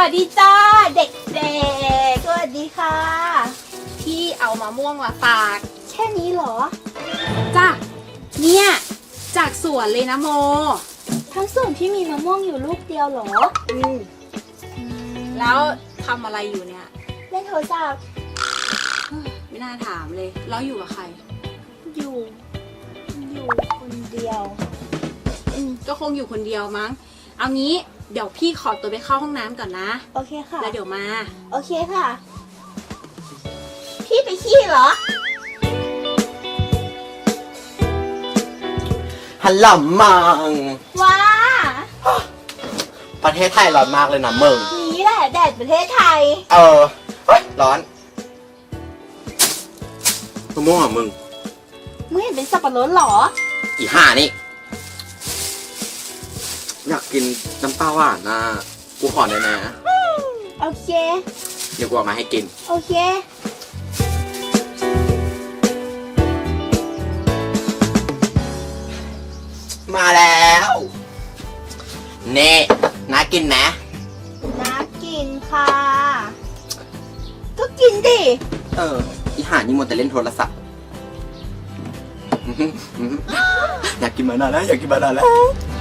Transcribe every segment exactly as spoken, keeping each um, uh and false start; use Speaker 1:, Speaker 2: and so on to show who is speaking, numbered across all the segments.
Speaker 1: วัสดีจ้าเด็กเด็กสวัสดีค่ะพี่เอามะม่วงมาฝากแค่นี้เหรอจ้าเนี่ยจากสวนเลยนะโมทั้งสวนพี่มีมะม่วงอยู่ลูกเดียวเหรออืมแล้วทำอะไรอยู่เนี่ยเล่นโทรศัพท์ไม่น่าถามเลยแล้วอยู่กับใครอยู่อยู่คนเดียวอืมก็คงอยู่คนเดียวมั้งเอางี้เดี๋ยวพี่ขอตัวไปเข้าห้องน้ำก่อนนะโอเคค่ะแล้วเดี๋ยวมาโอเคค่ะพี่ไปขี้เหรอ
Speaker 2: ฮัลโหลมัง
Speaker 1: ว้า
Speaker 2: ประเทศไทยร้อนมากเลยนะมึง
Speaker 1: นี่แหละแดดประเทศไทย
Speaker 2: เออเฮ้ยร้อนมะม่วงอ่ะมึง
Speaker 1: มึงเห็นเป็นสับปะรดหรอ
Speaker 2: อีห่านี่อยากกินน้ำปลาหวานนะกูขอได้นะ
Speaker 1: โอเค
Speaker 2: เดี๋ยวกูเอามาให้กิน
Speaker 1: โอเค
Speaker 2: มาแล้วเน่น่ากินนะ
Speaker 1: น่ากินค่ะก็กินดิ
Speaker 2: เอออีห่านี่มัวแต่เล่นโทรศัพท์อยากกินมานานแล้วอยากกินมานานแล้ว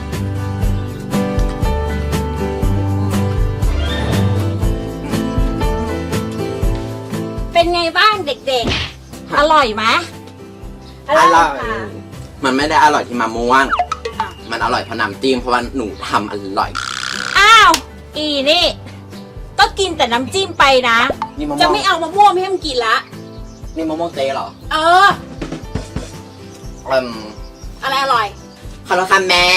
Speaker 1: เป็นไงบ้างเด็กๆอร่อยไหม
Speaker 2: อร่อยมันไม่ได้อร่อยที่มะม่วงมันอร่อยเพราะน้ำจิ้มเพราะว่าหนูทำอร่อย
Speaker 1: อ้าวอีนี่ก็กินแต่น้ำจิ้มไปนะจะไม่เอามะม่วงให้มันกินละ
Speaker 2: นี่มะม่วงเจ๊เหรอ
Speaker 1: เออ
Speaker 2: อืม
Speaker 1: อะไรอร่อย
Speaker 2: ขอโทษค่ะแม่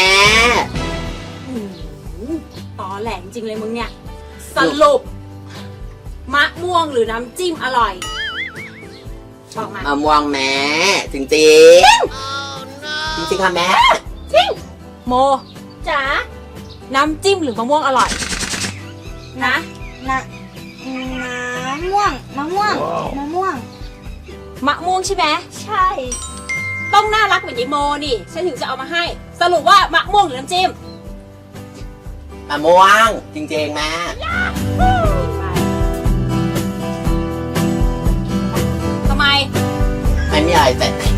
Speaker 1: ตอแหลจริงเลยมึงเนี่ยสรุปมะม่วงหรือน้ำจิ้มอร่อยบอกมาม
Speaker 2: ะม่วงแม่จริงจริงจริงจริงค่ะแม่
Speaker 1: จริงโมจ๋าน้ำจิ้มหรือมะม่วงอร่อยนะนะน้ำม่วงมะม่วงมะม่วงมะม่วงใช่ไหมใช่ต้องน่ารักเหมือนยายโมนี่ฉันถึงจะเอามาให้สรุปว่ามะม่วงหรือน้ำจิ้ม
Speaker 2: มะม่วงจริงจริงแม่
Speaker 1: ทำไม
Speaker 2: ไม่มีอะไรแต่